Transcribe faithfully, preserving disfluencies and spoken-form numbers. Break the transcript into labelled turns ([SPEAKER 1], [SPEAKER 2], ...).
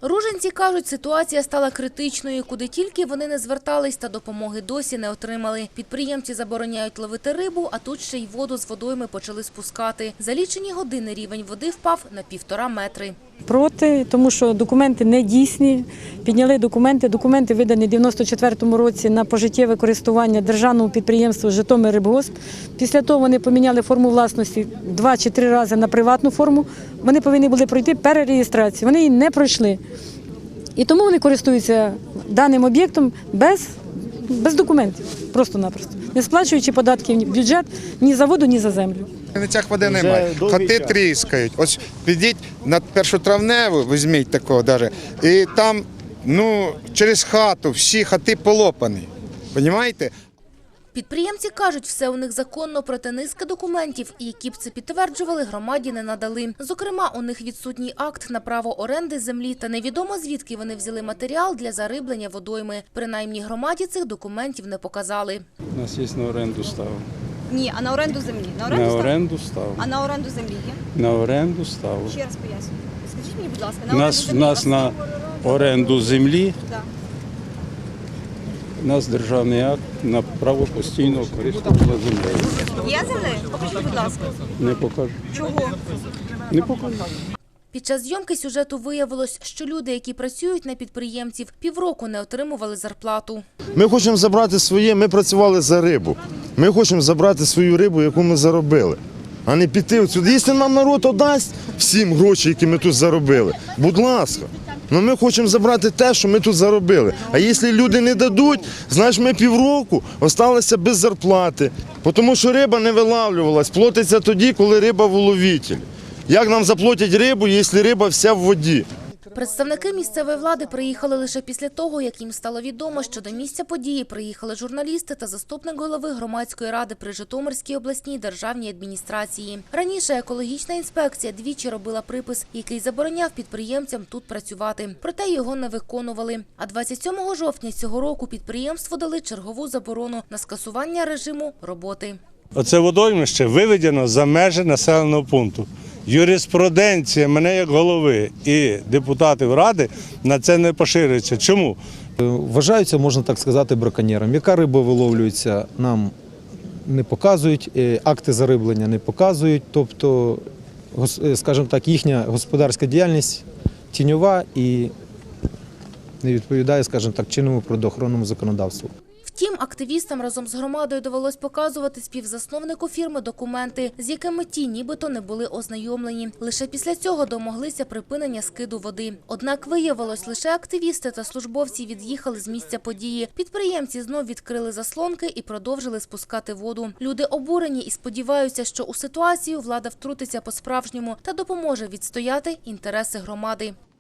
[SPEAKER 1] Ружинці кажуть, ситуація стала критичною. Куди тільки вони не звертались, та допомоги досі не отримали. Підприємці забороняють ловити рибу, а тут ще й воду з водойми почали спускати. За лічені години рівень води впав на півтора метри.
[SPEAKER 2] Проти, тому що документи не дійсні. Підняли документи. Документи видані в дев'яносто четвертому році на пожиттєве користування державному підприємству «Житомиррибгосп». Після того вони поміняли форму власності два чи три рази на приватну форму. Вони повинні були пройти перереєстрацію. Вони її не пройшли. І тому вони користуються даним об'єктом без, без документів, просто-напросто. Не сплачуючи податки в бюджет ні за воду, ні за землю.
[SPEAKER 3] На цих води немає. Хати тріскають. Ось підіть на першотравневу, візьміть такого навіть, і там ну, через хату всі хати полопані. Розумієте?
[SPEAKER 1] Підприємці кажуть, все у них законно, проте низка документів, які б це підтверджували, громаді не надали. Зокрема, у них відсутній акт на право оренди землі та невідомо звідки вони взяли матеріал для зариблення водойми. Принаймні громаді цих документів не показали.
[SPEAKER 4] У нас є на оренду став.
[SPEAKER 5] Ні, а на оренду землі? На оренду,
[SPEAKER 4] На
[SPEAKER 5] став?
[SPEAKER 4] оренду став.
[SPEAKER 5] А на оренду землі є?
[SPEAKER 4] На оренду став.
[SPEAKER 5] Ще раз поясню. Скажіть мені, будь ласка, на
[SPEAKER 4] У
[SPEAKER 5] оренду
[SPEAKER 4] нас,
[SPEAKER 5] землі?
[SPEAKER 4] нас на оренду землі,
[SPEAKER 5] Так.
[SPEAKER 4] у нас державний акт на право постійного користування землею.
[SPEAKER 5] Є землі? Покажіть, будь ласка.
[SPEAKER 4] Не покажу.
[SPEAKER 5] Чого?
[SPEAKER 4] Не покажу.
[SPEAKER 1] Під час зйомки сюжету виявилось, що люди, які працюють на підприємців, півроку не отримували зарплату.
[SPEAKER 6] Ми хочемо забрати своє, ми працювали за рибу. Ми хочемо забрати свою рибу, яку ми заробили, а не піти отсюди. Якщо нам народ отдасть всім гроші, які ми тут заробили, будь ласка. Ну ми хочемо забрати те, що ми тут заробили. А якщо люди не дадуть, значить ми півроку залишилися без зарплати. Тому що риба не вилавлювалась, платиться тоді, коли риба в уловителі. Як нам заплатять рибу, якщо риба вся в воді?
[SPEAKER 1] Представники місцевої влади приїхали лише після того, як їм стало відомо, що до місця події приїхали журналісти та заступник голови громадської ради при Житомирській обласній державній адміністрації. Раніше екологічна інспекція двічі робила припис, який забороняв підприємцям тут працювати. Проте його не виконували. А двадцять сьомого жовтня цього року підприємству дали чергову заборону на скасування режиму роботи.
[SPEAKER 7] Оце водоймище виведено за межі населеного пункту. Юриспруденція мене як голови і депутатів Ради на це не поширюється. Чому?
[SPEAKER 8] Вважаються, можна так сказати, браконьєром. Яка риба виловлюється, нам не показують, акти зариблення не показують. Тобто, скажімо так, їхня господарська діяльність тіньова і не відповідає, скажімо так, чинному природоохоронному законодавству.
[SPEAKER 1] Втім, активістам разом з громадою довелось показувати співзасновнику фірми документи, з якими ті нібито не були ознайомлені. Лише після цього домоглися припинення скиду води. Однак виявилось, лише активісти та службовці від'їхали з місця події. Підприємці знов відкрили заслонки і продовжили спускати воду. Люди обурені і сподіваються, що у ситуацію влада втрутиться по-справжньому та допоможе відстояти інтереси громади.